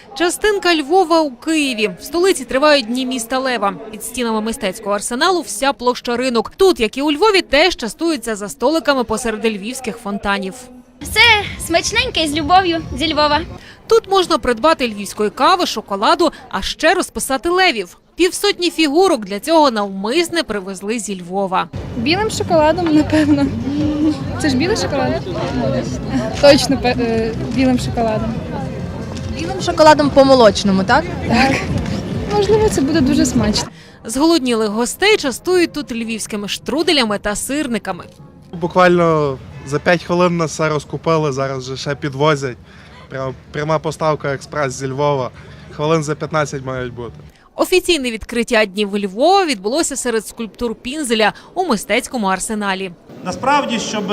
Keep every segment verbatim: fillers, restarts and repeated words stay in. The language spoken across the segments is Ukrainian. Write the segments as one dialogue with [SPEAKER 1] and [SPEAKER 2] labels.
[SPEAKER 1] Частинка Львова у Києві. В столиці тривають Дні міста Лева. Під стінами мистецького арсеналу вся площа ринок. Тут, як і у Львові, теж частуються за столиками посеред львівських фонтанів.
[SPEAKER 2] Все смачненьке і з любов'ю зі Львова.
[SPEAKER 1] Тут можна придбати львівської кави, шоколаду, а ще розписати левів. Півсотні фігурок для цього навмисне привезли зі Львова.
[SPEAKER 3] Білим шоколадом, напевно. Це ж білий шоколад? Точно білим шоколадом.
[SPEAKER 4] Білим шоколадом по-молочному, так?
[SPEAKER 3] Так. Можливо, це буде дуже смачно.
[SPEAKER 1] Зголоднілих гостей частують тут львівськими штруделями та сирниками.
[SPEAKER 5] Буквально за п'ять хвилин нас все розкупили, зараз вже ще підвозять. Прямо пряма поставка експрес зі Львова. Хвилин за п'ятнадцять мають бути.
[SPEAKER 1] Офіційне відкриття Днів Львова відбулося серед скульптур Пінзеля у мистецькому арсеналі.
[SPEAKER 6] Насправді, щоб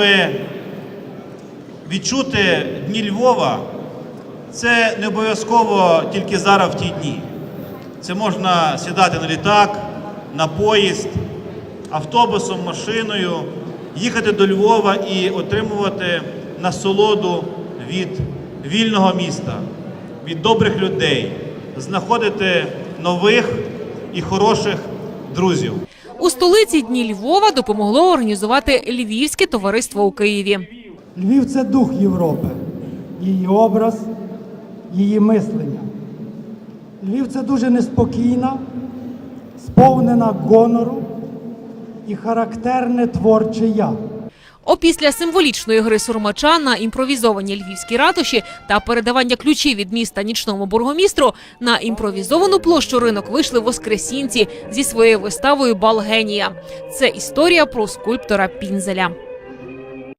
[SPEAKER 6] відчути Дні Львова, це не обов'язково тільки зараз в ті дні. Це можна сідати на літак, на поїзд, автобусом, машиною, їхати до Львова і отримувати насолоду від вільного міста, від добрих людей, знаходити нових і хороших друзів.
[SPEAKER 1] У столиці Дні Львова допомогло організувати Львівське товариство у Києві.
[SPEAKER 7] Львів – це дух Європи, її образ, її мислення. Львів – це дуже неспокійна, сповнена гонору і характерне творче «я».
[SPEAKER 1] Опісля символічної гри сурмача на імпровізованій львівській ратуші та передавання ключів від міста нічному бургомістру на імпровізовану площу ринок вийшли воскресінці зі своєю виставою «Бал генія». Це історія про скульптора Пінзеля.